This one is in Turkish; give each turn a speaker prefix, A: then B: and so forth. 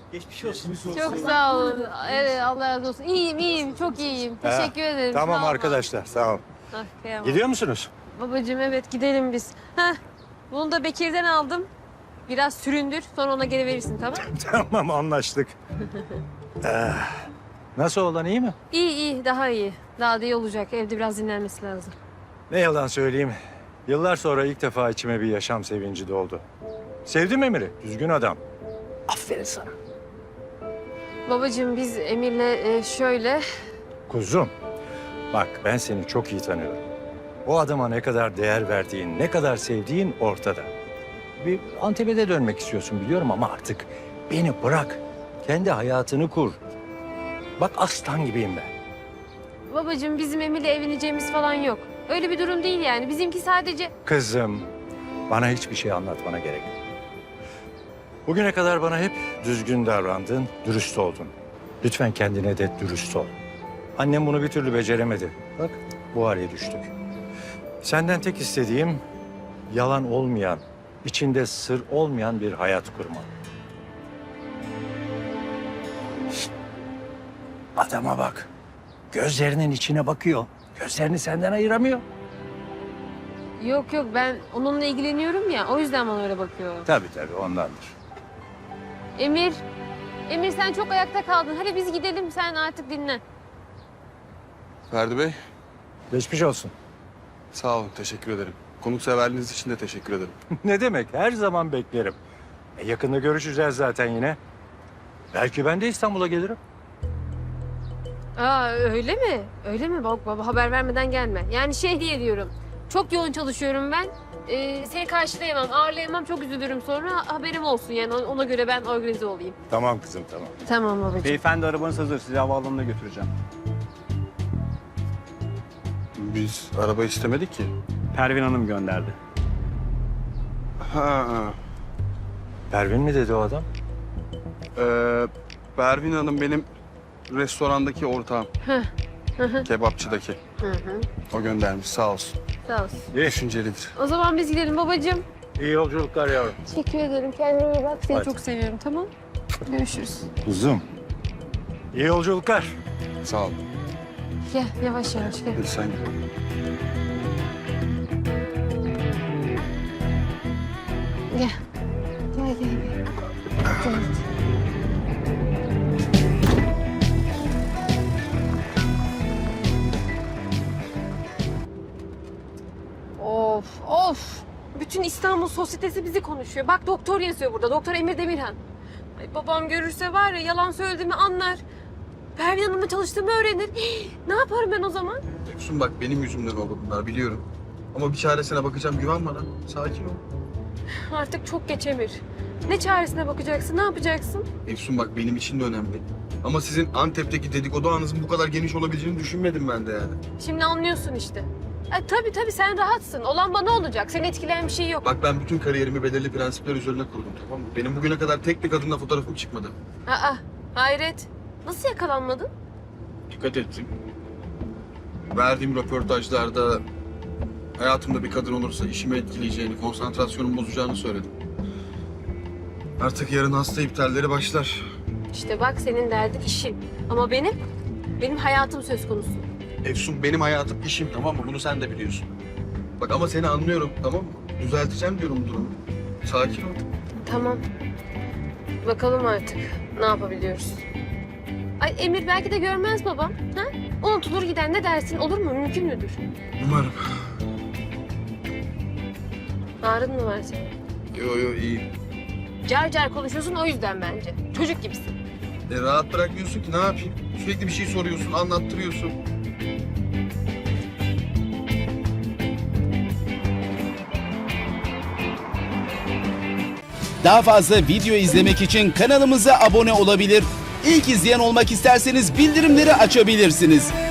A: Geçmiş olsun.
B: Çok sağ olun. Evet, Allah razı olsun. İyiyim, çok iyiyim. Teşekkür ederim.
C: Tamam
B: Sağ olun.
C: arkadaşlar, sağ olun.
B: Ah, kıyamam.
C: Gidiyor musunuz?
B: Babacığım evet gidelim biz. Heh, bunu da Bekir'den aldım. Biraz süründür, sonra ona geri verirsin, tamam?
C: Tamam, anlaştık. Nasıl olan, iyi mi?
B: İyi, daha iyi. Daha da iyi olacak. Evde biraz dinlenmesi lazım.
C: Ne yalan söyleyeyim. Yıllar sonra ilk defa içime bir yaşam sevinci doldu. Sevdim Emir'i, düzgün adam. Aferin sana.
B: Babacığım biz Emir'le şöyle...
C: Kuzum, bak ben seni çok iyi tanıyorum. O adama ne kadar değer verdiğin, ne kadar sevdiğin ortada. Bir Antep'e de dönmek istiyorsun biliyorum ama artık beni bırak. Kendi hayatını kur. Bak aslan gibiyim ben.
B: Babacığım bizim Emir'le evleneceğimiz falan yok. Öyle bir durum değil yani. Bizimki sadece...
C: Kızım, bana hiçbir şey anlatmana gerek yok. Bugüne kadar bana hep düzgün davrandın, dürüst oldun. Lütfen kendine de dürüst ol. Annem bunu bir türlü beceremedi. Bak, bu hale düştük. Senden tek istediğim yalan olmayan, içinde sır olmayan bir hayat kurma. Şişt! Adama bak. Gözlerinin içine bakıyor. Gözlerini senden ayıramıyor.
B: Yok ben onunla ilgileniyorum ya. O yüzden bana öyle bakıyor.
C: Tabii ondandır.
B: Emir sen çok ayakta kaldın. Hadi biz gidelim, sen artık dinle.
D: Ferdi Bey,
C: Geçmiş olsun.
D: sağ olun, teşekkür ederim. Konukseverliğiniz için de teşekkür ederim.
C: Ne demek? Her zaman beklerim. Yakında görüşeceğiz zaten yine. Belki ben de İstanbul'a gelirim.
B: Aa öyle mi? Öyle mi? Bak baba haber vermeden gelme. Yani şey diye diyorum. Çok yoğun çalışıyorum ben. Seni karşılayamam, ağırlayamam. Çok üzülürüm sonra. Haberim olsun yani. Ona göre ben organize olayım.
C: Tamam kızım, tamam.
B: Tamam babacığım.
A: Beyefendi arabanız hazır. Sizi havaalanına götüreceğim.
D: Biz araba istemedik ki.
A: Pervin Hanım gönderdi.
D: Ha,
C: Pervin mi dedi o adam?
D: Pervin Hanım benim restorandaki ortağım. Kebapçıdaki. O göndermiş, sağ olsun.
B: Sağ olsun.
D: Düşüncelidir.
B: O zaman biz gidelim babacığım.
C: İyi yolculuklar yavrum.
B: Teşekkür ederim. Kendine iyi bak. Seni
C: Hadi.
B: çok seviyorum, tamam? Görüşürüz.
C: Kuzum. İyi yolculuklar.
D: Sağ ol.
B: Gel yavaş gel.
D: Hadi sen git.
B: Gel. Gel. Gel. Of. Bütün İstanbul sosyetesi bizi konuşuyor. Bak doktor yazıyor burada. Doktor Emir Demirhan. Ay, babam görürse var ya yalan söylediğimi anlar. Pervin Hanım'la çalıştığımı öğrenir. Ne yaparım ben o zaman?
D: Efsun bak benim yüzümden oldu bunlar biliyorum. Ama bir çaresine bakacağım, güven bana. Sakin ol.
B: Artık çok geç Emir. Ne çaresine bakacaksın? Ne yapacaksın?
D: Efsun bak benim için de önemli. Ama sizin Antep'teki dedikodu ağınızın bu kadar geniş olabileceğini düşünmedim ben de yani.
B: Şimdi anlıyorsun işte. Tabii sen rahatsın. Olan bana olacak. Seni etkileyen bir şey yok.
D: Bak ben bütün kariyerimi belirli prensipler üzerine kurdum, tamam mı? Benim bugüne kadar tek bir kadınla fotoğrafım çıkmadı.
B: Hayret. Nasıl yakalanmadın?
D: Dikkat ettim. Verdiğim röportajlarda hayatımda bir kadın olursa işimi etkileyeceğini, konsantrasyonumu bozacağını söyledim. Artık yarın hasta iptalleri başlar.
B: İşte bak senin derdin işin. Ama benim hayatım söz konusu.
D: Efsun benim hayatım işim, tamam mı? Bunu sen de biliyorsun. Bak ama seni anlıyorum, tamam mı? Düzelteceğim diyorum durumu. Sakin ol.
B: Tamam. Bakalım artık ne yapabiliyoruz. Ay Emir belki de görmez babam. Ha? Unutulur gider ne dersin? Olur mu? Mümkün müdür?
D: Umarım.
B: Ağrın mı var senin?
D: Yo iyi.
B: Car konuşuyorsun o yüzden bence. Çocuk gibisin.
D: Rahat bırakmıyorsun ki, ne yapayım? Sürekli bir şey soruyorsun, anlattırıyorsun.
E: Daha fazla video izlemek için kanalımıza abone olabilir. İlk izleyen olmak isterseniz bildirimleri açabilirsiniz.